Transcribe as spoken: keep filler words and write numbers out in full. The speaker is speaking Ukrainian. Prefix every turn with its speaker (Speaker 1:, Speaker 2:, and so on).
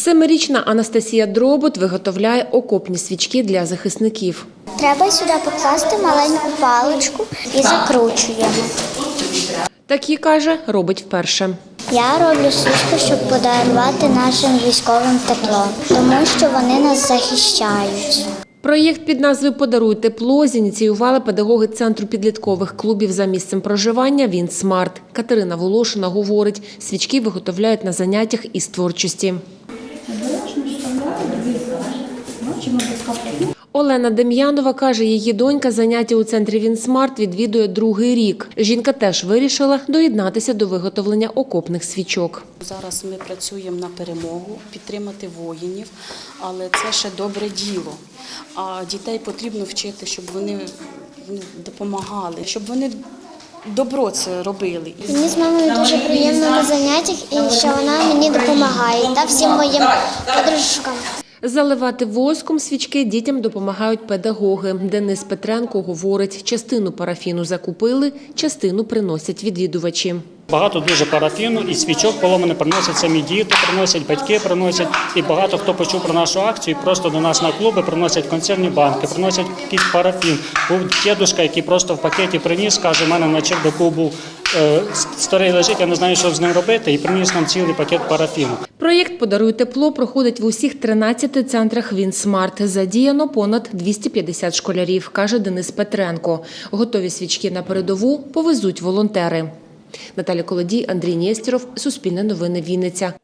Speaker 1: Семирічна Анастасія Дробот виготовляє окопні свічки для захисників.
Speaker 2: Треба сюди покласти маленьку паличку і закручуємо.
Speaker 1: Такі, каже, робить вперше.
Speaker 2: Я роблю свічку, щоб подарувати нашим військовим тепло, тому що вони нас захищають.
Speaker 1: Проєкт під назвою «Подаруй тепло» зініціювали педагоги Центру підліткових клубів за місцем проживання «Вінсмарт». Катерина Волошина говорить, свічки виготовляють на заняттях із творчості. Олена Дем'янова каже, її донька заняття у центрі «Вінсмарт» відвідує другий рік. Жінка теж вирішила доєднатися до виготовлення окопних свічок.
Speaker 3: Зараз ми працюємо на перемогу, підтримати воїнів, але це ще добре діло. А дітей потрібно вчити, щоб вони допомагали, щоб вони добро це робили.
Speaker 2: Мені з мамою дуже приємно на заняттях, і що вона мені допомагає та всім моїм подружкам.
Speaker 1: Заливати воском свічки дітям допомагають педагоги. Денис Петренко говорить, частину парафіну закупили, частину приносять відвідувачі.
Speaker 4: Багато дуже парафіну і свічок поломаних приносять самі діти, приносять батьки, приносять. І багато хто почув про нашу акцію, просто до нас на клуби приносять консервні банки, приносять якийсь парафін. Був дідусь, який просто в пакеті приніс, каже, у мене на чердаку був е, старий лежить, я не знаю, що з ним робити, і приніс нам цілий пакет парафіну.
Speaker 1: Проєкт «Подаруй тепло» проходить в усіх тринадцяти центрах «Вінсмарт». Задіяно понад двісті п'ятдесят школярів, каже Денис Петренко. Готові свічки на передову повезуть волонтери. Наталя Колодій, Андрій Нєстєров, Суспільне новини, Вінниця.